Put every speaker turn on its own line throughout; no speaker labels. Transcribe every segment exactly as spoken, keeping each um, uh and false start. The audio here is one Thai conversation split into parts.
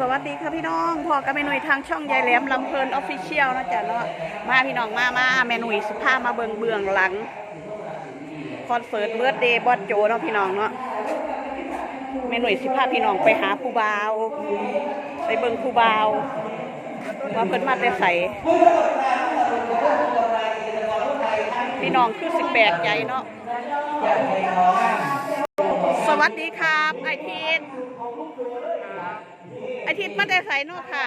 วัสดีค่ะพี่น้องพอกับแม่หนุ่ยทางช่องยายแหลมลำเพลินออฟฟิเชียลนะจ๊ะเนาะมาพี่น้องมามาแม่หนุ่ยสุภาพมาเบิงเบื้องหลังคอนเสิร์ตเบิร์ธเดย์บอสโจเนาะพี่น้องเนาะแม่หนุ่ยสุภาพพี่น้องไปหาผู้บ่าวไปเบิงผู้บ่าวว่าเพิ่นมาแต่ใสพี่น้องคือสิบแปดใจเนาะสวัสดีครับไอทิศไอทิศมาแต่ใสเนาะค่ะ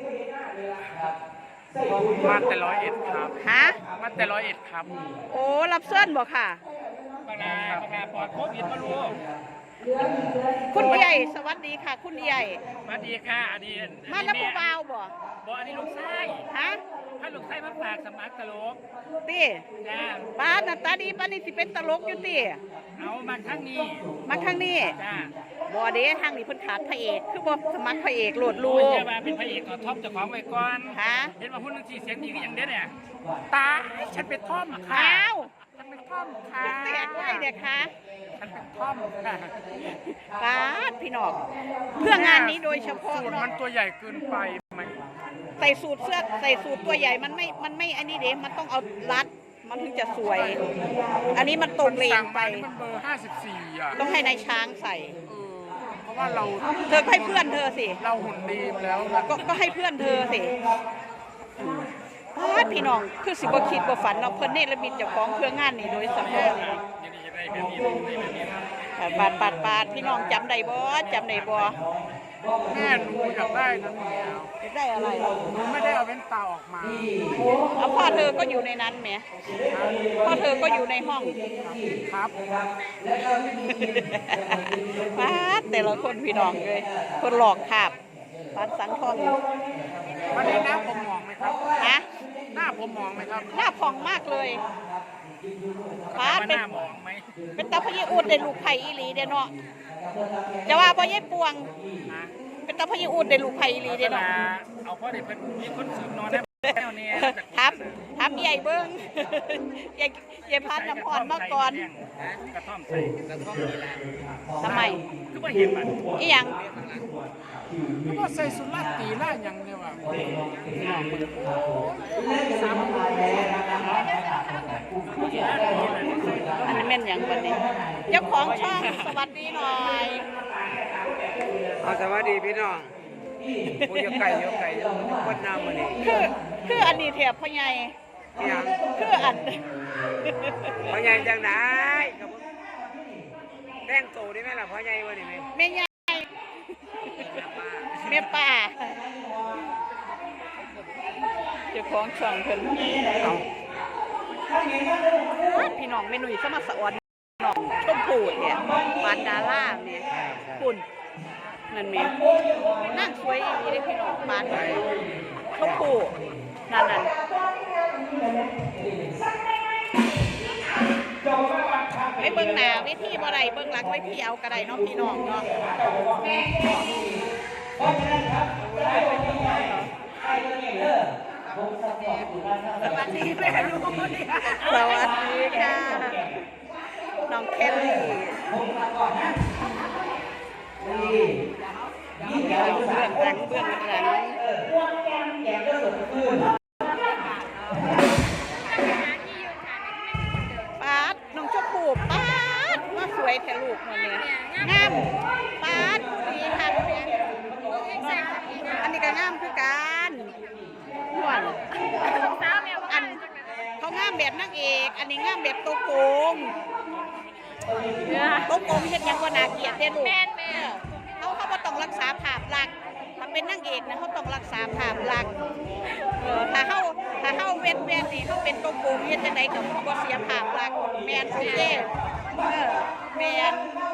มาแต่ร้อยเอ็ดครับ
ฮะ
มาแต่ร้อยเอ็ดครับ
โอ้รับเสื้อบอกค่ะ
ปนาปนาปอดโควิดมาลูก
คุณใหญ่สวัสดีค่ะคุณใหญ่
สวัสดีค่ะอดีต
มาแล้วผู้บ่าวบ่
บ่อันนี้ลูกไส้
ฮะ
ถ้าลูกไส้มาฝากสมัครตลก
ตี
จ้า
ป้าหน้าตาดีป้านี่สิเป็นตลกอยู่ตี
เอามาข้างนี้
มาข้างนี้
จ้า
บ่เด้ทางนี้เพิ่นขาดพระเอกคือบ่สมัครพระเอกโหลดลูก
เห็นว่าเป็นพระเอกก็ท็อปเจ้าของไว้ก่อน
ฮะ
เห็นว่าพูดนึงที่เสียงดีอย่างเด็ดเนี่ยตาฉันเป็นท่อมค่ะ
อ้าว
ฉันเป็นท่อมค่ะ
แตกไว้เด้อค่ะ
ฉันเป็นท่อมค่ะ
ป้าพี่น้องเพื่องานนี้โดยเฉพาะ
เนาะมันตัวใหญ่เกินไปไหม
ใส่สูทเสื้อใส่สูทตัวใหญ่มันไม่มันไม่อันนี้เด้มันต้องเอารัดมันถึงจะสวยอันนี้มันตรงเลงไป
มันเบอร์ห้าสิบสี่อ่ะ
ต้องให้นายช้างใส่
เพราะว่าเรา
เธอให้เพื่อนเธอสิ
เราหุ่นดีแล้ว
ก็ก็ให้เพื่อนเธอสิพาดพี่น้องคือสิบ่คิดบ่ฝันเนาะเพิ่นเนรมิตเจ้าของเพื่องานนี่โดยเฉพาะปาดปาดปาดพี่น้องจำได้บ่จำได้บ่
แม่หนูอยากได้นั้น
อยากได้อะไร
หนูไม่ได้เอาแว่นตาออกมา
เอาพ่อเธอก็อยู่ในนั้นแหมพ่อเธอก็อยู่ในห้อง
ครับ
ปาดแต่ละคนพี่น้องเลยคนหลอกขาบปาดสังทอง
วันนี้หน้าผมมองไหมครับ
ฮะ
หน้าผมมองไหมครับ
หน้าผ่องมากเลย
ปาดเป็นมองไหม
เป็นตาพญอูดเดลูกไผ่อีหลีเด้เนาะจะว่าพ่อใหญ่ปวงเป็นตาพญอูดเดลูกไผ่อีหลีเด้เนาะ
เอาพ่อเด็กเป็นมีคนสืบนอนได้เนี่ย
ทับทับใหญ่เบิ้งใหญ่ใหญ่พัดน้ำพรมาก่อน
กระท่อมใส่กระท่อมนี่แหละ
ทำไม
คือว่าเห็นมัน
อีหยัง
คือว่าใส่สุราตีล่าอย่างเนี่ยว่ะ
อันนี้แม่นอย่างวันนี้เจ้าของช่องสวัสดีหน่อย
เอาสวัสดีพี่น้องผู้ยกไก่ยกไก่ยกคนน้ำมันนี่
คือคืออันนี้แถบพ่อใหญ่คืออัน
พ่อใหญ่จังได้กับแป้งโตได้ไหมล่ะพ่อใหญ่วันนี้ไหม
แม่ใหญ่แม่ป่าเจ้าของช่องเพิ่นเอาพี่น้องแม่หนุ่ยสมัครสอนน้องชมพูเนี่ยปานดาล่าเนี่ยคุณนั่นแม่นั่งสวยอย่างนี้ได้พี่น้องปานชมพูนั่นนั่นไอ้เบิ้งหน้าวิธีบ่ได้เบิ้งหลังวิธีเอากระไดเนาะพี่น้องเนาะสวัสดีแม่ลูกสวัสดีค่ะน้องเคลลี่เบื้องหลังเบื้องหลังป้าดน้องชมพู่ป้าดว่าสวยแท้ลูกมันเนี่ยงามป้าดดีค่ะอันนี้ก็งามคือกันห่วงอันเขางามแบบนางเอกอันนี้งามแบบโตโกงโตโกงเห็นยังว่านาเกียรติเด่นลูกเขาเขาบ่ต้องรักษาภาพลักษณ์ถ้าเป็นนางเอกนะเขาต้องรักษาภาพลักษณ์เออถ้าเขาถ้าเขาเว้นเว้นนี่เขาเป็นโตโกงเห็นจังไดกับบ่เสียภาพลักษณ์แมนโอเคเออแมน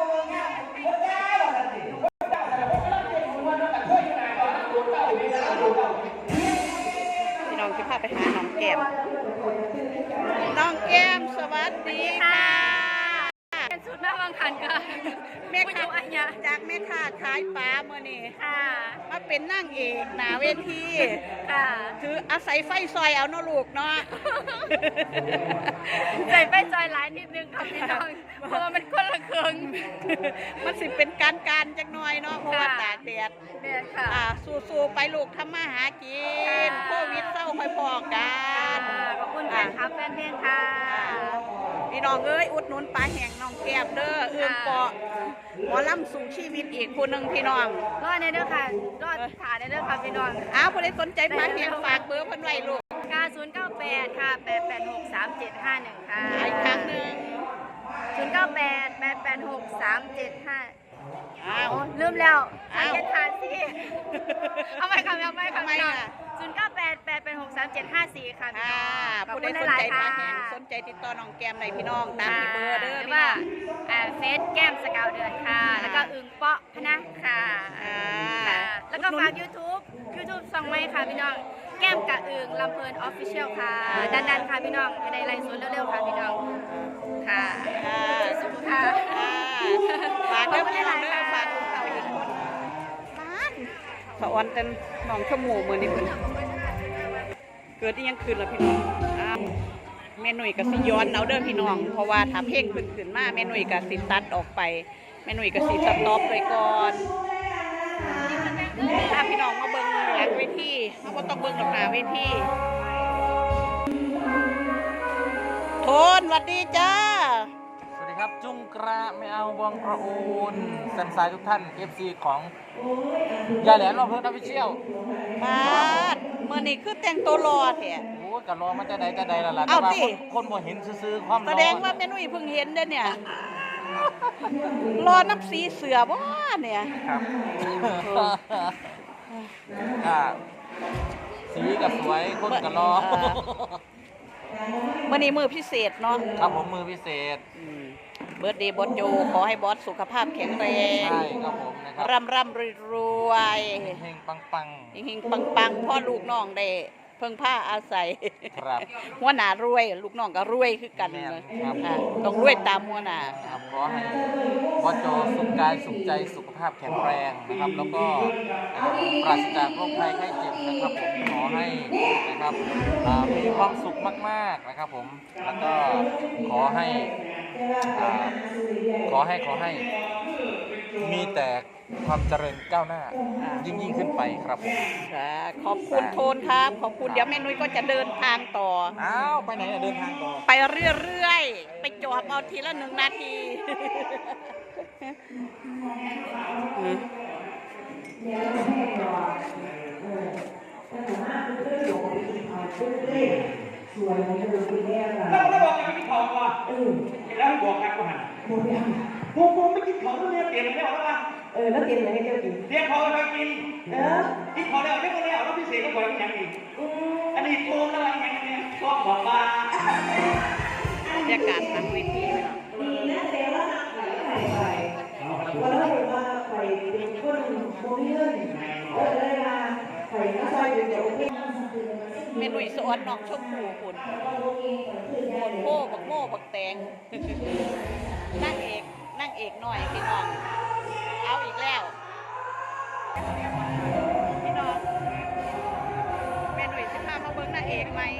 พี่น้องที่พาไปหาน้องแก้มน้องแก้มสวัสดีค่ะ
เป็นชุดหน้าบางคันก็แม่ค้าไอเนี่ย
จากแม่ค้าขายปลาเมื่อนี่
ค่ะ
มาเป็นนางเอกหนาเวที
ค่ะ
ถืออาศัยไฟซอยเอาเนาะลูกเนาะ
ใส่ไปจอยหลายนิดนึงค่ะพี่น้องเพราะว่ามันคนละเครื่อง
มันสิเป็นการการจักหน่อยเนาะเพราะว่าตากแดด
เนี่ยค่ะ
อ่าสู้ๆไปลูกทำมาหากิน
ค่ะ
โควิดเศร้าค่อยพอกัน
ขอบคุณแฟนคลับแฟนเพลงค่ะ
พี่น้องเอ้ยอุดหนุนปลาแห้งน้องแก้มเด้อเอื้อมเปาะหมอลำสู่ชีวิตอีกคนหนึ่งพี่น้อง
รอดในเด้อค่ะ รอดขาในเด้อค่ะพี่น้อง
อ้าวผู้ใดสนใจปลาแห้งฝากเบอร์เพิ่นไว้ลูก
เก้าศูนย์เก้าแปดค่ะแปดแปดหกสามเจ็ดห้าหนึ่งค่ะ
อีกครั้งหนึ่ง
ศูนย์เก้าแปดแปดแปดหกสามเจ็ดห้า
อ้าว
โอ้ลืมแล้ว
อ้าว
ใส่เจ็ดทานสิเอาไปค่ะเอาไปค่ะ
ทำไม
พี่น้อง
อ่ะ
ศูนย์เก้าแปดแปดแปดหกสามเจ็ดห้าสี่ค่ะพี่
อ่า
น้องขอบ
ผู้ใด
คุณ
สน
หลาย
ใจ
ๆ
ป
ค่ะ
ลาแห้งสนใจติดต่อน้องแก้มในพี่น้องตามที่เบอร์เด้อ
หรือ
พี่
ว่า
น้อง
อ่าเฟซแก้มสกาวเดือนค่ะ แล้วก็อึ่งเปาะพนะค่ะ
อ่า
ค่ะ แล้วก็ฝาก YouTube YouTube ส่องไม้ค่ะพี่น้อง แก้มกะอึ่งลำเพลินออฟฟิเชียลค่ะ ดันๆค่ะพี่น้องให้ได้ไลฟ์สดเร็วๆค่ะพี่น้อง ค่ะ
อ่า
สุขค่ะ
อ่าฝาก
ข
เด้
อ
อบ
คุณ
พี่
ห
น้อ
ลาง ย
เด้
ๆ
อ
ค่ะ
ฝากลูกเต่าอีกคนบ้านสะออนเต็นน้องชั่วโมงมือนี่เพิ่นเกิดที่ยังคืนละพี่น้องอ้าวแม่หนุ่ยก็สิย้อนเอาเด้อพี่น้อง เพราะว่าถ้าเพลงขึ้นขึ้นมาแม่หนุ่ยก็สิตัดออกไปแม่หนุ่ยก็สิสต็อปเลยก่อนถ้าพี่น้องมาเบิ่งหลังเวทีเขาก็ต้องเบิ่งหน้าเวทีโทนสวัสดีจ้า
สวัสดีครับ จุงกระไม่เอาบวงกระอูนแซมไซทุกท่าน เอฟ ซี ของยาแหลมลำเพิ่นออฟฟิเชียล
มาดเมื่อนี้คือแต่งตัวรอแท้
โอ้ยกะรอมาแต่ใดแต่ใดแล้วล่ะ
เอา
แต่ว่า
สิ
คนคนบ่เห็นซื้อๆความรอ
แสดงว่าแม่นุ่ยเพิ่งเห็นเด้อเนี่ย รอน้ำสีเสือบ่เนี่ย
ครับอ่าสีก็สวย คนก็รอ
เออ เมื่อนี้มือพิเศษเนาะ
ครับผมมือพิเศษ
เบิร์ดเดย์บอสโจขอให้บอสสุขภาพแข็งแรง
ใช่ครับผมนะครับ
ร่ำร่ำรวยรวย
เฮงปังปัง
ๆหิงๆปังๆพ่อลูกน้องได้เพิ่งผ้าอาศัย
ครับ
หัวหน้ารวย ลูกน้องก็รวยคือกัน
แม่น
นะครับ อ่ะต้องรวยตามหัวหน้า
ครับขอให้บอสโจสุขกายสุขใจสุขภาพแข็งแรงนะครับ แล้วก็ปราศจากโรคภัยไข้เจ็บนะครับผมขอให้นะครับอ่ามีความสุขมากๆนะครับผมแล้วก็ขอให้อ่าขอให้ขอให้มีแต่ความเจริญก้าวหน้ายิ่งยิ่งขึ้นไปครับผม
ค่ะขอบคุณโทนครับ ขอบคุณเดี๋ยวแม่นุ้ยก็จะเดินทางต่อ
อ้าวไปไหนอะเดินทางต่อ
ไปเรื่อยๆ ไปจอบเอาทีละหนึ่งนาทีอืม
แล้วแล้วบอกยังไม่กินของก่อนเออแล้วบอกกันก่อนบอกยังผมผมไม่กินของเนี่ยเปลี่ยนไปแล้วนะเออแล้วกินอะไรให้เจ้ากินเรียกของเรากินเออกินของแล้วเรียกของแล้วแล้วพิเศษก็บอกอย่างนี้อันนี้โกงแล้วอย่างนี้ชอบบอกว่า
บรรยากาศทางเวทีไปเนาะ
วันนั้นผมมาไปเป็นคนโมเดิร์นเออเลยมาไปก็ซอยเดียวกัน
เมนุยสอนน้องชมพูคุณโอนโม่บักโม่บักแตง นั่งเอกนั่งเอกหน่อยพี่น้อง เอาอีกแล้ว พี่น้องเมนุยสิพามาเบิ่งนางเอกไหม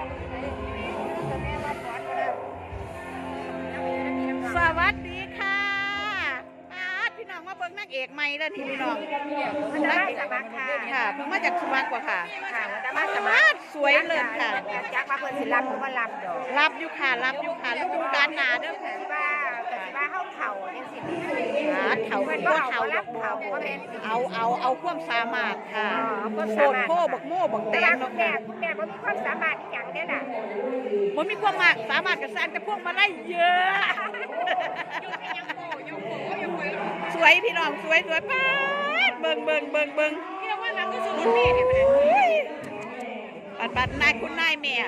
สวัสดีค่ะอาพี่น้องมาเบิ่งนางเอกใหม่แล้วนี่พี่น้องนางเอกค่ะเพิ่งมาจากสมัครกว่าค่ะ
ค่ะวัด
มาสมัครสวยเลยค่ะ
จักมาเพิ่นสิรับหรือว่ารับดอก
รับอยู่ค่ะรับอยู่ค่ะฤดูกาลหนาเด้อค่ะ
ว่าก็สิว่าเฮาเฒ่าจังซี่
หาเถา
เพิ่น
บ่
บ่
เถา
เฒ่า
ด
รั
อบ ก
เฒ่าบ่แม่น
เอาเอาเอาความสามารถค่ะ
อ๋อเอาความ
โค
สา
ตร
มารถ
โคบักโม่บักแต
แต่
ง
คุณแม่คุณแม่บ่มีความสามารถอีหยังเด้อน่ะ
มันมีความมากสามารถกระสร้างแต่พวกมาไล่เยอะ สวยพี่น้องสวยสวยป้าดเบิ่งเบิ่งเบิ่งเบิ่งพี่น้องว่าหลังก็สุดนี่เห็นไหมปัดปัดนายคุณนายแม่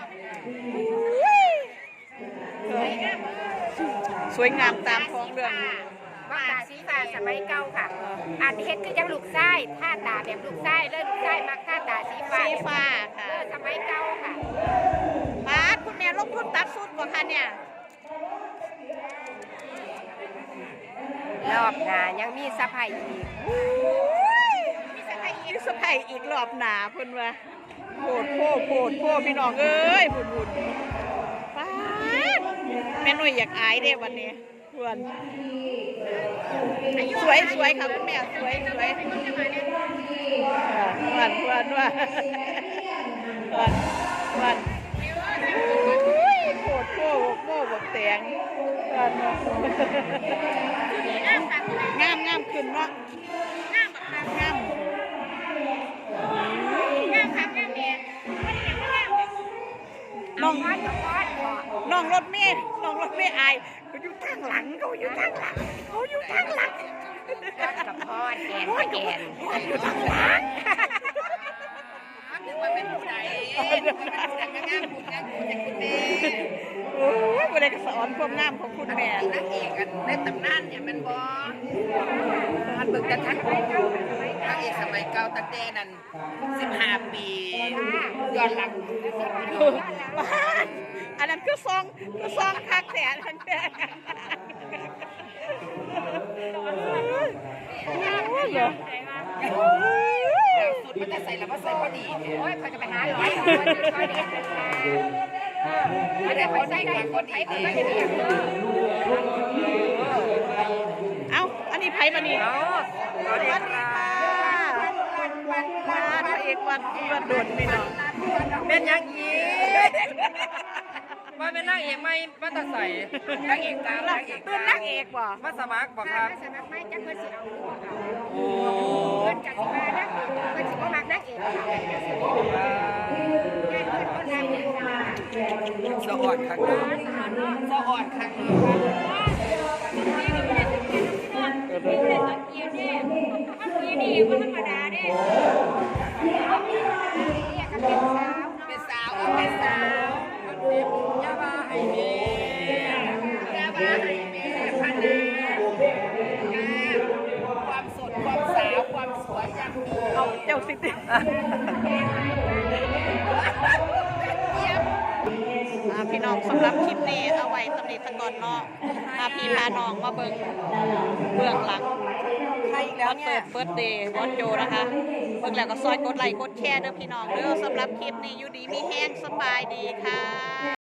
สวยงามตามท้องเรื่อง
ว่าตาสีฟ้าสมัยเก่าค่ะอาจเฮ็ดคือจังลูกชายท่าตาแบบลูกชายเลยลูกชายมักท่าตาสีฟ้า
สีฟ้าค่ะ
เออสมัยเก่าค่ะ
ป้าดคุณแม่ลงทุนตัดสุดกว่าค่ะเนี่ย
รอบหน้ายังมีสะพายอีก
มีสะพายอีกสะพายอีกรอบหนาเพิ่นว่าโผดโผดโผดโผดพี่น้องเอ้ยบุญบุญป้าดแม่หนุ่ยอยากอายเด้วันนี้ส่วนสวยสวยค่ะคุณแม่สวยสวยวันวันวันวันวันโผดโผดโผดบอกแตงวันงามงามขึ้นเนาะงามงาม น้องน้องรถเมย์น้องรถเมย์อายเขาอยู่ทางหลังเขาอยู่ทางหลังเขาอยู่ทางหลัง
กับพ่อแกนแกน
อยู่ทางหลัง
นึกว่าเป็นผู้ใดนึกว่าเป็นผู้ใดก็งามคุณงามคุณจะคุณแม่
โอ้ยวันนี้ก็สอนความงามของคุณแม่
นางเอกกันในตำนานเนี่ยมันบ่มันเบิ่งแต่ทันนางเอกสมัยเก่าตั้งแต่นั้นสิบห้าปีย้อนหลัง
อันนั้นคือซองคือซองคักแต่อันนั้นแม่โอ้ยเหรอ
สุดมันจะใส่แล้วมาใส่พอดีโอ้ยเขาจะไปหาร้อยคนพอดีไม่ได้ไปใส่กับคนไทยคนไม่ได้
เอ้าอันนี้ไผ่มานี่สวัสดีค่ะมาพระเอกวันวันโดดนี่เนาะ
เป็นยังอีว่าเป็นนางเอกไม่มาตัดใส่นางเอกกลางนางเอก
เป็นนักเอกว่ะ
มาสมัครบอกครับ
สมัครไม่จักเพิ่นสิเอา
โอ้
เพิ่นจักสิมานักเพิ่นสิบ่มักนักเอกค่ะแค่เพิ่นคนงามนี่ค่ะ
สะอ่อนครั้งนึงสะอ่อนครั้งนึง เป็นสาวเป็นสาวอย่ามาให้แม่อย่ามาให้แม่พันนาความสดความสาวความสวยยังมี
เอาเจ้าสิติอ่าพี่น้องสำหรับคลิปนี้เอาไว้สำเร็จสก่อนเนาะพาพี่พาน้องมาเบิ่งเบื้องหลังใครอีกแล้วเนี่ยเบิร์ดเดย์บอสโจนะคะเบิ่งแล้วก็ซอยกดไลค์กดแชร์เด้อพี่น้องเด้อสำหรับคลิปนี้อยู่ดีมีแห้งสบายดีค่ะ